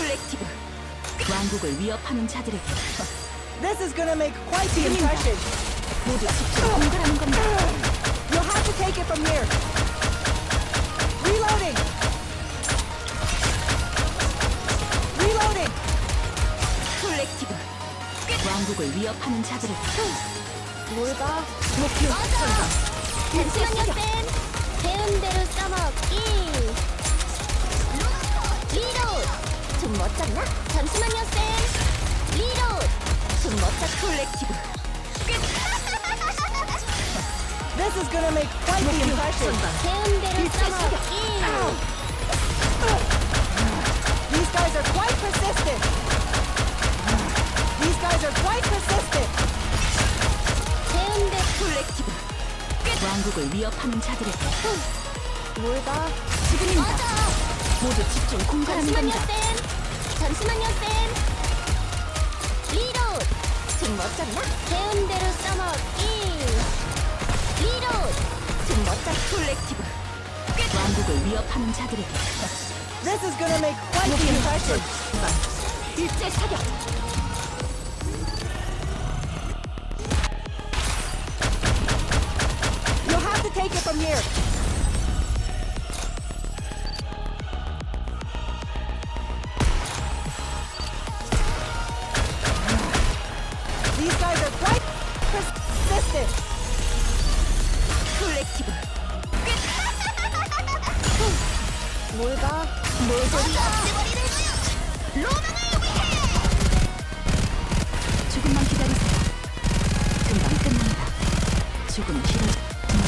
콜렉티브 왕국을 위협하는 자들에게 This is gonna make quite the impression. 모두 집중 공갈하는 겁니다. You'll have to take it from here. Reloading. Reloading. 콜렉티브 왕국을 위협하는 자들에게 뭘 봐? 목표 선정. 잠시만요, 쌤. 배운 대로 써먹기. 리로드. 좀 멋졌나? 잠시만요, 쌤. 리로드. 좀 멋졌. 콜렉티브 This is gonna make quite the impression. 배운 대로 써먹기. These guys are quite persistent. These guys are quite persistent. 배운 대로 콜렉티브 왕국을 위협하는 자들에게 뭘 봐? 지금입니다. 모두 집중 공갈하는 잠시만요, 겁니다. 쌤. 잠시만요, 쌤. 리로드. 좀 멋졌나? 배운 대로 써먹기. 리로드. 좀 멋졌. 콜렉티브 왕국을 위협하는 자들에게 This is gonna make quite the impression. 일제 사격 You'll have to take it from here. These guys are quite persistent. 콜렉티브 뭘 봐? 조금만 기다리세요. 금방 끝납니다. 조금 길어.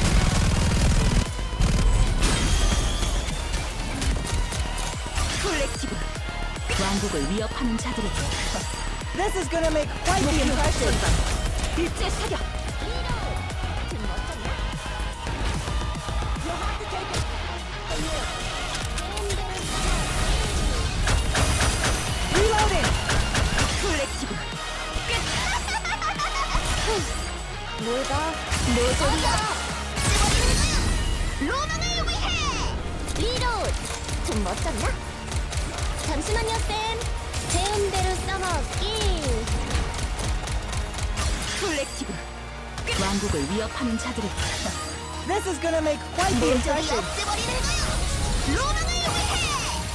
콜렉티브 왕국을 위협하는 자들에게 This is gonna make quite the impression. 일제 사격 좀 멋졌나? You'll have to take it from here. 배운 대로 Reloading. 콜렉티브 뭘 봐? 로망을 위해! 리로드! 좀 멋졌나? 잠시만요, 쌤. 배운 대로 써먹기. 콜렉티브 왕국을 위협하는 자들에게 This is gonna make quite the impression. 로망을 위해!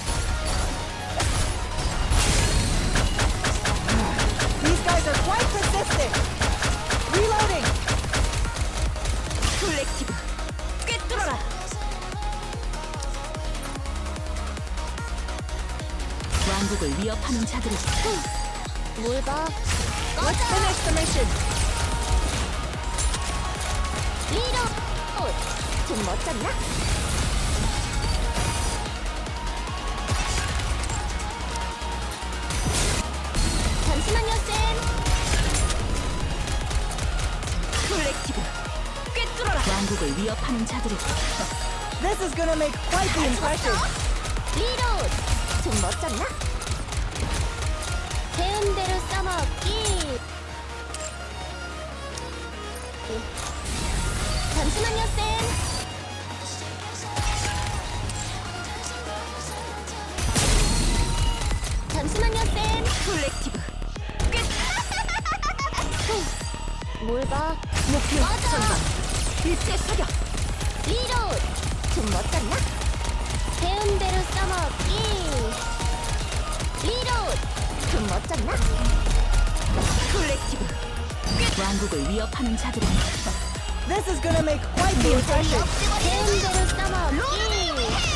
These guys are quite persistent. Reloading. 콜렉티브 꿰뚫어라 왕국을 위협하는 자들에게 뭘 봐? Let's finish the mission. 리로드! 좀 멋졌나? 잠시만요, 쌤. 콜렉티브 꿰뚫어라 왕국을 위협하는 자들에게 This is gonna make quite the impression. 리로드! 좀 멋졌나? 배운 대로 써먹기. 잠시만요, 쌤. 잠시만요, 쌤. 콜렉티브 뭘 봐? 목표 선방 일제 사격 리로드! 좀 멋졌나? 배운 대로 써먹기. 리로드! 좀 멋졌나? 콜렉티브 왕국을 위협하는 자들에게 This is gonna make quite the impression. 배운 대로 써먹기.